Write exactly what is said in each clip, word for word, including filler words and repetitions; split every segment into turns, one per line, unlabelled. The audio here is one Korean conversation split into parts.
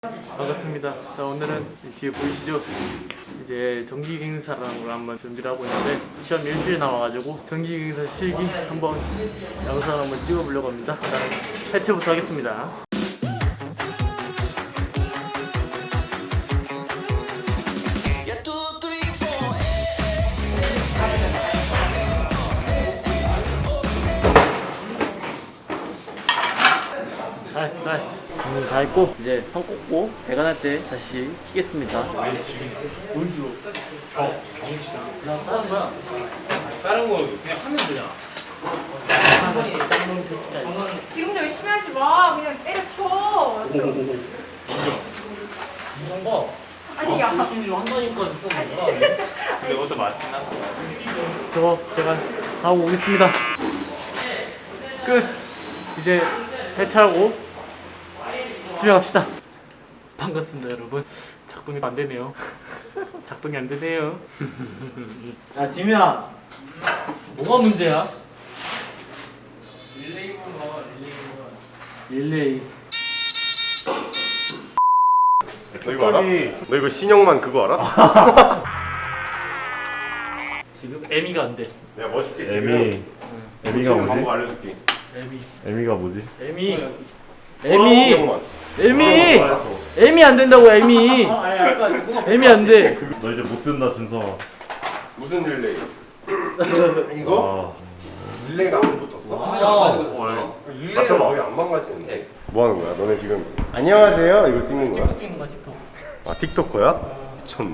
반갑습니다. 자, 오늘은 뒤에 보이시죠? 이제 정기갱사라는 걸 한번 준비를 하고 있는데 시험 일주일 남아가지고 정기갱사 실기 한번 영상 한번 찍어보려고 합니다. 자, 해체부터 하겠습니다. 나이스 나이스. 오늘 다 했고 이제 선 꽂고 배관할 때 다시 키겠습니다. 뭔지로? 경 경치다. 나 다른 거야. 다른 거 그냥 하면 되잖아.
지금 열심히 하지 마. 그냥 때려쳐.
이런 거.
아니 야.
열심히 한다니까 좀 뭐라. 근데 그것도 맞나? 저 배관 하고 오겠습니다. 끝. 이제 해체하고 집에 갑시다. 반갑습니다 여러분. 작동이 안 되네요. 작동이 안 되네요. 야 지민아, 뭐가 문제야? 릴레이 봐. 릴레이.
너 이거 알아? 너 이거 신형만 그거 알아?
지금 에미가 안 돼.
내가 멋있게 지금
에미 에미가
지금
뭐지?
방법 알려줄게.
에미.
에미가 뭐지?
에미. 에미.
신형만.
에미.
어, 알았어.
에미 안 된다고 에미. 에미 안 돼.
너 이제 못 든다 준성아.
무슨 릴레이? 이거?
아,
릴레이가 안 붙었어? 맞춰봐. 거기 안 망가지는데. 뭐 하는 거야? 너네 지금 안녕하세요 이거 찍는 거야?
틱톡 찍는 거야 틱톡.
아 틱토커야? 미쳤네.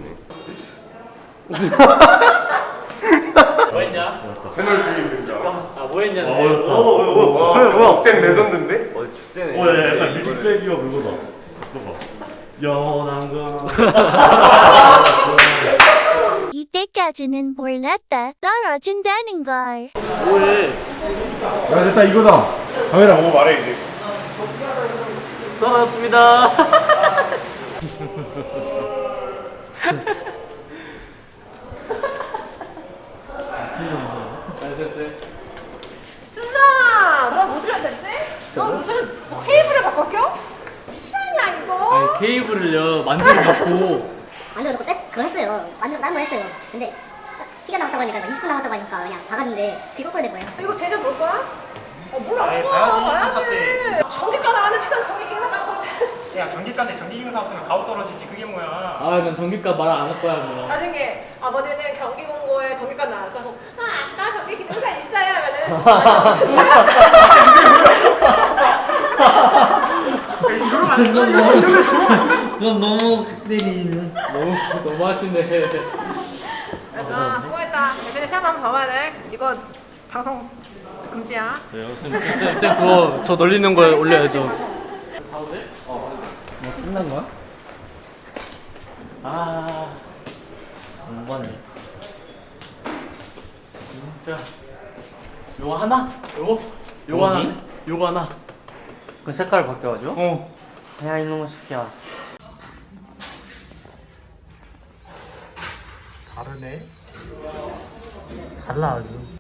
뭐 했냐?
채널 주인 등장.
아 뭐 했냐?
어, 어렵다.
와, 뭐야? 억텐 레전드인데?
어, 야, 약간 뮤직뱅이가 그거다. 봐봐. 연한 거.
이때까지는 몰랐다. 떨어진다는 걸.
뭐해?
야 됐다 이거다. 카메라 보고 말해 이제.
떨어졌습니다.
준성아, 너 뭐 들었댔지? 너 무슨 뭐 케이블을 바꿔 껴? 실화냐 이거?
아니 케이블을요 만들어 놓고
만들어 놓고 뺐, 그걸 했어요. 만들어 딴 걸 했어요. 근데 딱 시간 남았다고 하니까 이십 분 남았다고 하니까 그냥 박았는데 그게 거꾸로 된 거예요.
이거 제작 볼 거야? 어 몰라. 봐야지. 삼 차 때. 전기가 나가는 최단 전기기가 나가고.
야 전기가인데 전기기사 없으면 가오 떨어지지 그게 뭐야.
아난 전기값 말 안 할 거야 뭐.
나중에 아버지는 경기 공고에 전기가 나와서 아 아빠 전기 기능사 있어요 하면은
그건 너무 때리네.
너무 너무 하시네.
아 수고했다. 대신에 시험 한번 더 봐야 돼. 이거 방송 금지야.
네, 쌤, 쌤, 쌤, 쌤 그거 저 놀리는 거에 올려야죠.
뭐 끝난 거야?
아
안 봤네.
진짜 요거 하나? 요거? 요거 하나?
뭐지?
요거 하나?
그 색깔 바뀌어가지고?
어.
야 이놈의 새끼야.
다르네.
달라 아주.